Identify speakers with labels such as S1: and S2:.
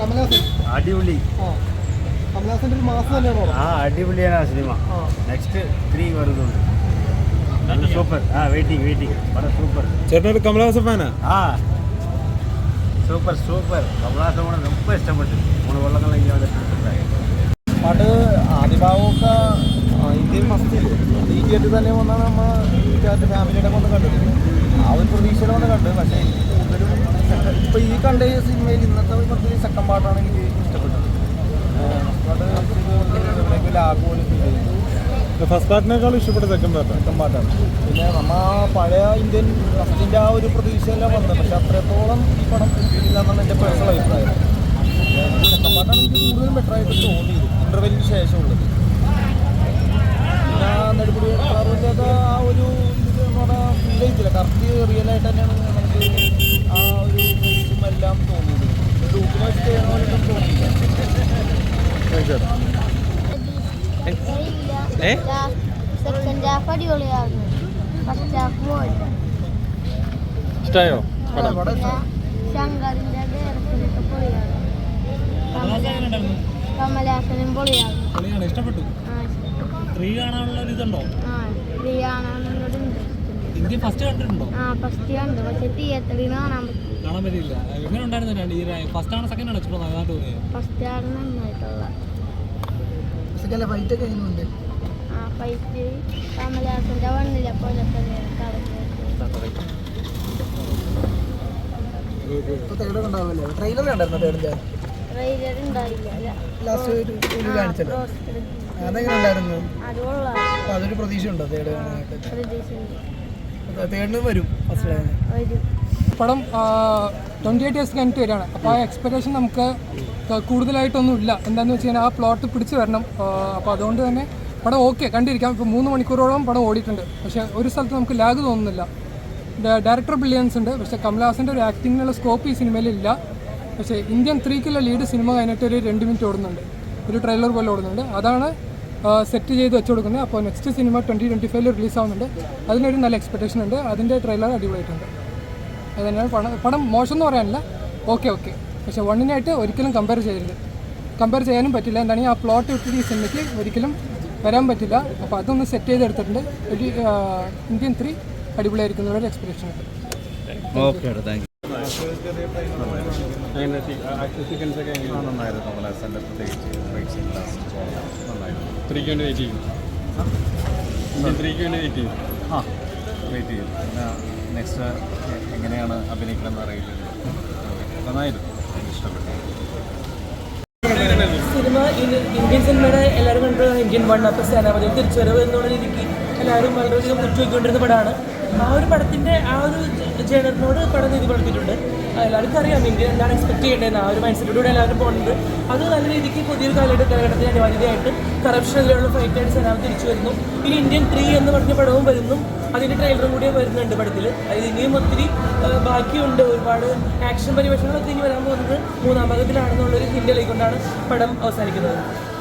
S1: അടിപൊളി. ആ അടിപൊളിയാണ് ആ സിനിമ. നെക്സ്റ്റ് 3 വരുന്നുണ്ട്. നല്ല സൂപ്പർ. വെയിറ്റിംഗ് വളരെ സൂപ്പർ.
S2: ചേട്ടനൊരു കമലഹാസൻ ഫാനാ?
S1: സൂപ്പർ കമലഹാസൻ കൂടെ ரொம்ப ഇഷ്ടപ്പെട്ടു. 3 കൊല്ലങ്ങളെങ്കിൽ
S3: പാട്ട് ആദ്യ ഭാഗമൊക്കെ ഇന്ത്യൻ ഫസ്റ്റ് ഈ തിയേറ്ററിൽ തന്നെ വന്നാണ് നമ്മൾ ഫാമിലിയുടെ വന്ന് കണ്ടത്. ആ ഒരു പ്രതീക്ഷയുടെ വന്ന് കണ്ടത്. പക്ഷേ എനിക്ക് കൂടുതലും ഇപ്പോൾ ഈ കണ്ട സിനിമയിൽ ഇന്നത്തെ കുറച്ച് സെക്കൻഡ് പാട്ടാണ് എനിക്ക് ഇഷ്ടപ്പെട്ടത്. പാട്ട് ലാഗ് പോലും ഫീൽ ചെയ്തു.
S2: ഫസ്റ്റ് പാർട്ടിനേക്കാളും ഇഷ്ടപ്പെട്ട സെക്കൻഡ്
S3: പാട്ടാണ്. പിന്നെ നമ്മൾ ആ പഴയ ഇന്ത്യൻ ഫസ്റ്റിൻ്റെ ആ ഒരു പ്രതീക്ഷയെല്ലാം വന്നത്. പക്ഷെ അത്രത്തോളം ഈ പടം കിട്ടിയില്ല എന്നാണ് എൻ്റെ പേഴ്സണൽ അഭിപ്രായം. സെക്കൻഡ് പാട്ടാണ് എനിക്ക് കൂടുതലും ബെറ്ററായിട്ട് തോന്നിയത് ഇൻ്റർവെല്ലിന് ശേഷമുള്ളത്. പിന്നെ നെടുമുടി വേണുവിൻ്റെ ആ ഒരു ഇത് എന്ന് പറഞ്ഞാൽ ഫീൽ ചെയ്തില്ല. കറക്റ്റ് റിയലായിട്ട് തന്നെയാണ് നമുക്ക് ആ ഒരു എല്ലാം തോന്നിയത്. ഡൂപ്പിനെ വെച്ച് ചെയ്യണ പോലും തോന്നിയില്ല.
S2: ഇഷ്ടമായോ?
S4: കമലഹാസനും പൊളിയാണ്.
S2: ഇഷ്ടപ്പെട്ടു. 3 കാണാനുള്ള ഒരു ഇതുണ്ടോ? ഇന്ത്യ ഫസ്റ്റ് കണ്ടിട്ടുണ്ടോ?
S4: ഫസ്റ്റ് കണ്ടു. പക്ഷെ തിയേറ്ററിൽ കാണാൻ
S2: പറ്റില്ല. എങ്ങനെ ഉണ്ടായിരുന്നു? ഫസ്റ്റ് ആണ് സെക്കൻഡ് ആണ് നന്നായിട്ട് തോന്നിയത്?
S4: ഫസ്റ്റ് ആണ് നന്നായിട്ടുള്ള
S3: ഫൈറ്റ് ഒക്കെ എങ്ങനെയുണ്ട്?
S4: ഫൈറ്റ് കമലഹാസന്റെ വണ്ണിലെ പോലെ
S3: ട്രെയിലർ കണ്ടായിരുന്നു.
S4: ട്രെയിലർ ഉണ്ടായില്ല.
S3: അതെങ്ങനെ ഉണ്ടായിരുന്നു? അതൊരു പ്രതീക്ഷ ഉണ്ടോ തേടിന് വരും?
S5: പടം 28 years കഴിഞ്ഞിട്ട് വരികയാണ്. അപ്പോൾ ആ എക്സ്പെക്ടേഷൻ നമുക്ക് കൂടുതലായിട്ടൊന്നും ഇല്ല. എന്താണെന്ന് വെച്ച് കഴിഞ്ഞാൽ ആ പ്ലോട്ട് പിടിച്ച് വരണം. അപ്പോൾ അതുകൊണ്ട് തന്നെ പടം ഓക്കെ കണ്ടിരിക്കാം. ഇപ്പോൾ 3 മണിക്കൂറോളം പടം ഓടിയിട്ടുണ്ട്. പക്ഷേ ഒരു സ്ഥലത്ത് നമുക്ക് ലാഗ് തോന്നുന്നില്ല. ഡയറക്ടർ ബ്രില്യൻസ് ഉണ്ട്. പക്ഷേ കമലഹാസൻ്റെ ഒരു ആക്ടിങ്ങിനുള്ള സ്കോപ്പ് ഈ സിനിമയിലില്ല. പക്ഷേ ഇന്ത്യൻ 3-ക്കുള്ള ലീഡ് സിനിമ കഴിഞ്ഞിട്ട് ഒരു 2 മിനിറ്റ് ഓടുന്നുണ്ട്. ഒരു ട്രെയിലർ പോലെ ഓടുന്നുണ്ട്. അതാണ് സെറ്റ് ചെയ്ത് വെച്ച് കൊടുക്കുന്നത്. അപ്പോൾ നെക്സ്റ്റ് സിനിമ 2025 റിലീസാവുന്നുണ്ട്. അതിനൊരു നല്ല എക്സ്പെക്ടേഷൻ ഉണ്ട്. അതിൻ്റെ ട്രെയിലർ അടിപൊളിയായിട്ടുണ്ട്. അത് തന്നെയാണ് പടം മോശം എന്ന് പറയാനില്ല. ഓക്കെ പക്ഷേ വണ്ണിനായിട്ട് ഒരിക്കലും കമ്പയർ ചെയ്യാനും പറ്റില്ല. എന്താണ് ആ പ്ലോട്ട് വിട്ടിട്ട് ഈ സിനിമയ്ക്ക് ഒരിക്കലും വരാൻ പറ്റില്ല. അപ്പോൾ അതൊന്ന് സെറ്റ് ചെയ്തെടുത്തിട്ടുണ്ട്. ഒരു ഇന്ത്യൻ 3 അടിപൊളിയായിരിക്കുന്നൊരു എക്സ്പെക്ടേഷൻ ഉണ്ട്.
S1: നെക്സ്റ്റ് എങ്ങനെയാണ് അഭിനയിക്കണമെന്ന് അറിയില്ല. നന്നായിരുന്നു. ഇഷ്ടപ്പെട്ടു.
S6: സിനിമ ഇന്ത്യൻ സിനിമയുടെ എല്ലാവരും കണ്ട ഇന്ത്യൻ 1 അപ്പോൾ സേനാപതി തിരിച്ചുവരവ് എന്നുള്ള രീതിക്ക് എല്ലാവരും വളരെയധികം ഉറ്റുവയ്ക്കൊണ്ടിരുന്ന പടമാണ്. ആ ഒരു പടത്തിൻ്റെ ആ ഒരു ജേണറിനോട് പടം നീതി പുലർത്തിയിട്ടുണ്ട്. എല്ലാവർക്കും അറിയാം ഇന്ത്യ എന്താണ് എക്സ്പെക്ട് ചെയ്യേണ്ടതെന്ന്. ആ ഒരു മൈൻഡ് സെറ്റോടെ എല്ലാവരും പോകുന്നത്. അത് നല്ല രീതിക്ക് പുതിയൊരു കാലഘട്ടത്തിന് അനിവാര്യതയായിട്ട് കറപ്ഷനിലുള്ള ഫൈറ്റായിട്ട് സേനാപതി തിരിച്ചു വരുന്നു. ഇനി ഇന്ത്യൻ 3 എന്ന് പറഞ്ഞ പടവും വരുന്നു. അതിൻ്റെ ട്രെയിലറും കൂടി വരുന്നുണ്ട് പടത്തിൽ. അത് ഇനിയും ഒത്തിരി ബാക്കിയുണ്ട്. ഒരുപാട് ആക്ഷൻ പരിവേഷങ്ങളൊക്കെ ഇനി വരാൻ പോകുന്നത് 3ാം ഭാഗത്തിലാണെന്നുള്ളൊരു ഹിൻ്റ് കൊണ്ടാണ് പടം അവസാനിക്കുന്നത്.